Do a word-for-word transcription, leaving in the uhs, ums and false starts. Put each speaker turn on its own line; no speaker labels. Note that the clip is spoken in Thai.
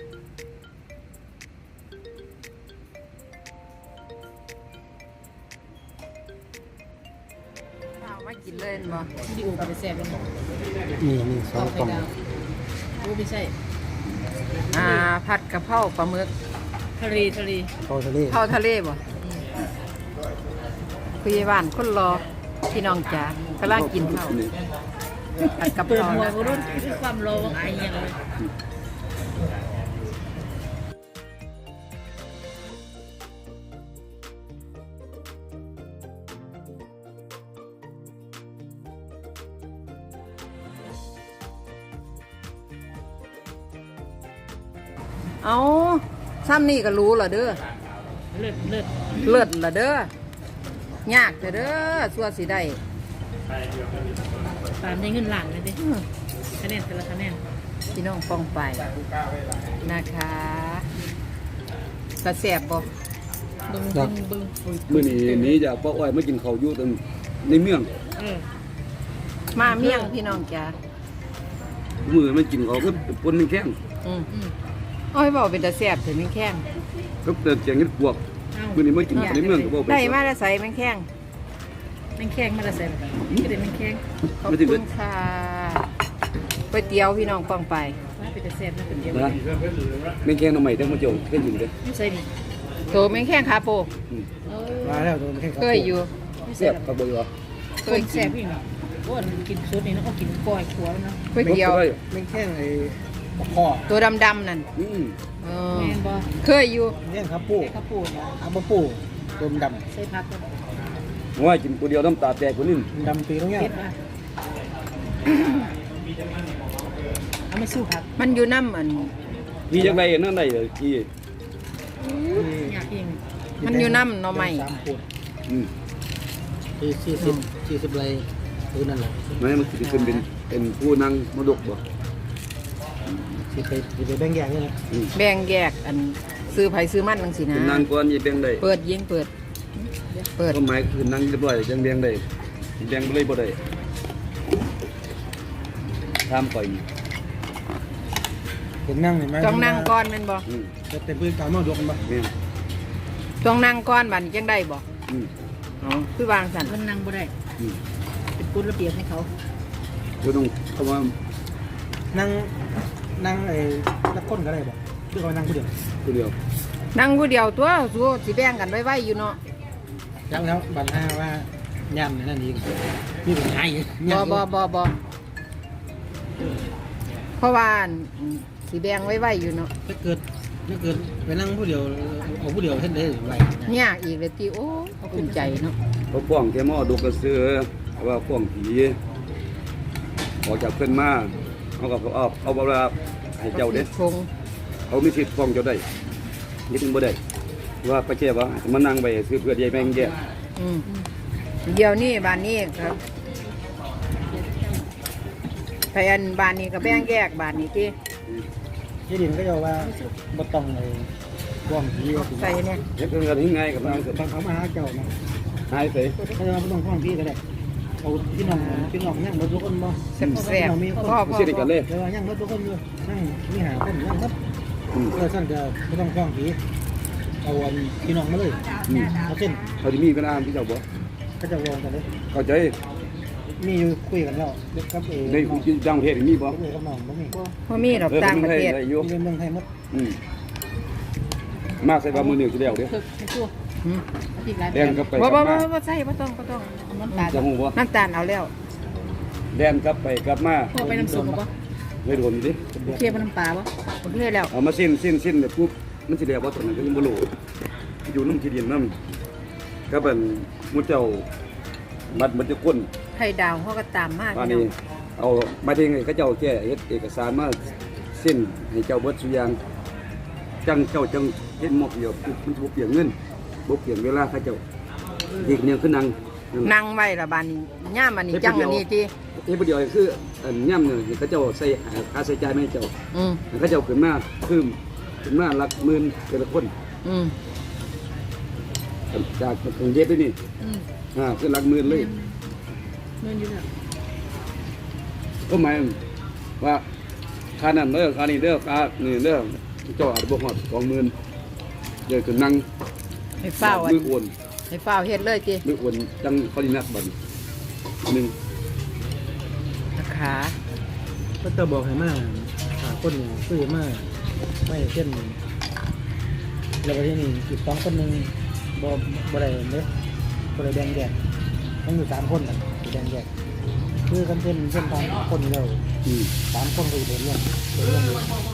เอามากินเลยบ่
ดิโอไปแซ่บเลย
นี่นี่สองกล่อง
โอ้ไม่ใช่
อ่าผัดกะเพราปลาหมึก
ทะเลทะเล
เข้าทะเล
เผาทะเลบ่คุยบ้านคนรอพี่น้องจ๋ากำลังกินข้าวผัดกะเพ
เปิด
รา
หัว
นะ
เขารุ่นคือความรอว่าไอ้ยังเลย
เอาซ้ำนี่ก็รู้เหรอเด้อ
เลิศเลิศ
เลิศเหรอเด้อยากแต่เด้อสัวสิได้
ตามได้เงินหลานเลยดิ
อื้อ
คะแนนแต่ละคะแนน
พี่น้องป้องไปนะคะกระแสบบ่
บึ้งบึ้งบึ้ง
มื้อนี้หนี้จากป้าอ้อยมากินข้าวอยู่ตรงในเมือง
เออ
มาเมี่ยงพี่น้องจ๋า
มื้อมันกินข้าวคือปนแข้ง
อืม
อืม
อ้อยบอกเป็นตาแสบถึงแมงแข้ง
กับแต่แกงเห็ดปวก
เอ้า
มื้อนี้มากินข้าวในเมืองก็บ่ไป
ได้มาแล้วใส่แมงแข้ง
แมงแข้งมาละแซ่บก็ได้แมงแข้ง
ขอบคุณค่ะก๋วยเตี๋ยวพี่น้องป้องไป
ว่าเป็นแต่แซ่บนะเป็นเดียว
นะแม่งแข้งหน่อไม้เด้อมาเจ้าเคยอยู่เด้อ
ไม่ใช่ดิ
โตแมงแข้งขาโป
อืม
เออ
มาแล้วโดนแค่
เคยอยู่
ไม่
แซ่
แซ่
บบ ครับบ่เหรอ
เค
เคย
ย
แซ่
กิน
บอีกเนาะอ้วนกินซุดนี่แล้วก็กินก้อยขัวแล้วนะ
ก๋วยเตี๋ยว
ไม่แค่ไอ้พ่อ
ตัวดำๆนั่น
อืม
เออ
แม่นบ่
เคยอยู่
เลี้ยงครับปู
ใส่ข้าวปูเนาะ
อาบปูดมด
ใส่ผักก็
ว่ากินผู้เดียวน้ำตาแตกคนนึง
ำดำปีตรงเนี้ย
เผ็ดอ่ะเอามาสู้ผัก
มันอยู่น้ำอัน
พี่จังไดนั่นได้เลยพี่
อยากเอง
มันอยู่น้ำหน่อไม้
สามขวด
อืม
สี่สี่สิบสี่สิบไรคือนั่นแหละ
แม่มันสิขึ้นเป็นเป็นผู้นั่งมรดกบ่
สี่ไปสี่ไปแบ่งแยกนี่นะ
อืม
แบ่งแยกอันซื้อไผซื้อมันจังซี่นะ
เป็นนางก่อนอย่าแบ่งได้
เปิดยิงเปิด เปิด
ก็หมายคือนั่งเรียบร้อยจังแบ่งได้แบ่งบ่เลยบ่ได้ถามข่อยนี่
เป็นนั่งเห็นไหม
ต้องนั่งก่อนแม่นบ่
อืม
จะเต็มพื้นกลางมาดกกันปะ
แม่น
ต้องนั่งก่อนบัดนี้จังได้บ่
อืม
อ๋อคือวางสั่น
มันนั่งบ่ได้
อืม
เป็นกฎระเบียบให้เขา
ก็ต้องเพราะว่า
นั่งนั่งไอ้นักก้นก็ได้ปะคือเขานั่งผู้เดียว
ผู้เดียว
นั่งผู้เดียวตัวสู้สิแบ่งกันไว้ๆอยู่เนาะ
ยังแล้วบันห้าว่าย่ำในนั่นอีกนี่เป็นไง
บ่บ่บ่บ่เพราะว่าอันสิแบ่งไว้ๆอยู่เนาะ
ถ้าเกิดถ้าเกิดไปนั่งผู้เดียวเอาผู้เดียวเช่นได้ไหว
ยากอีกเลยติโอ้ภูมิใจเนาะ
เขาฟ้องแค่หม้อดกกระเสือว่าฟ้องผีออกจากเพิ่นมาเขาก็เอาเอาเวลาให้เจ้าเด้
ชง
เขามีสิทธิ์ฟ้องเจ้าได้นี่ถึงบ่ได้ว่าไปแก้ว่ามานั่งไปซื้อเพื่อใหญ่แม่งแก่
อืมเดี๋ยวนี้บ้านนี้ครับไปอันบ้านนี้ก็แบ่งแยกบ้านนี้ติ
ยี่ดินก็จะว่าบ่ต้องไอ้ว่องผีว่า
ใส่เนี่ย
เฮ็ดกันยังไงกับนางเสร็จ
บางเขามาหาเจ้านะ
หายไป
เขาจะมาบ่ต้องว่องผีก็ได้เอาพี่น้องพี่น้องยังบ่ทุกคนบ่
แซ่บๆพ่อพ่อ
สิได้กันเลย
แต่ว่ายังบ่ทุกคนอยู่นั่งมีหาคนยังบ่
อืม
เออสั่นจะบ่ต้องว่องผีเอาอันพี่น้องมาเลย
อืม
เอาเส้น
เขาจะมีกันอ่านที่เจ้าบ่
ก็จะวองกันเลย
เข้าใจ
มีอยู่คุยกันแล้วกับเอ
ใน
น้อง
ที่ต่างประเทศมีบ่
กับเอกับน้องบ่มี
พ่มีดอกต่างประเทศ
ได้อยู่
มีเมืองไทยหมด
อืมมากใส่บามือหนึ่งสิแล้วเด้อ
ถึกให้ตัว
อืม
อีกหลาย
แดนกลับไป
บ่
กลั
บ่
บ
บ่
มา
บ่ใส่บ่ต้องบ่ต้อง
น้ำตาล
จะฮู้บ่
น้ำตาลเอาแล้ว
แดนกลับไปกลับมา
พอไปน้ำซุปบ่
เลยโดนอยู่ดิ
เคี่ยวน้ำปลาบ่
โอเคแล้ว
เอามาสิ้นสิ้นสิ้นแบบปุ๊บมันสิแล้วบ่ตอนนั้นก็ยังบ่รู้อยู่นำที่ดินนำก็เป็นหมู่เจ้าบัดมันจะก้น
ไข่ดาวเขาก็ตามมาก
ป่าน
พี่น้
นี้
อง
เอามาถึงให้เขาเจ้าแก้เฮ็ดเอกสารมาสิ้นให้เจ้าเบิดสุอย่างจังเจ้าจังเฮ็ดหมอกเดียวมันบ่เปลี่ยนเงินบ่เปลี่ยนเวลาเขาเจ้าอีกเนี่ยคือนั่ง
นั่งไว้ละบานนี้ย่ามอันนี้จังอันนี้ติ
เฮ็ดผู้เดียวคืออันย่ำเนี่ยเขาเจ้าใส่ค่าใช้จ่ายให้เจ้า
อืม
เขาเจ้าขึ้นมาคือขึ้นมาหลักหมื่นแต่ละคน
อืม
จากกรุงเทพไปนี่
อืม
อ่าคือหลักหมื่นเลย
เงินอยู่แล้ว
ก็หมายว่าค่านั้นเด้อค่านี้เด้อค่านี่เด้อเจ้าอาจจะบ่ฮอดสองหมื่นเดี๋ยวก็นั่ง
ให้เฝ้าอัน
มือโอน
ให้เฝ้าเฮ็ดเลยจี
มือโอนจังเขาดีนักบัดนี้หนึ่ง
นะคะ
ก็จะบอกให้มาหาคนเนี่ยซื้อมาไม่เช่นแล้วก็ที่นี่อีกสองคนหนึ่งบ่บ่ได้เด้บ่ได้แบ่งแยกต้องอยู่สามคนน่ะสิแบ่งแยกคือกันเช่นเช่นทางคนเรา
อืม
สามคนก็อยู่เดินเรื่องเดินเรื่อง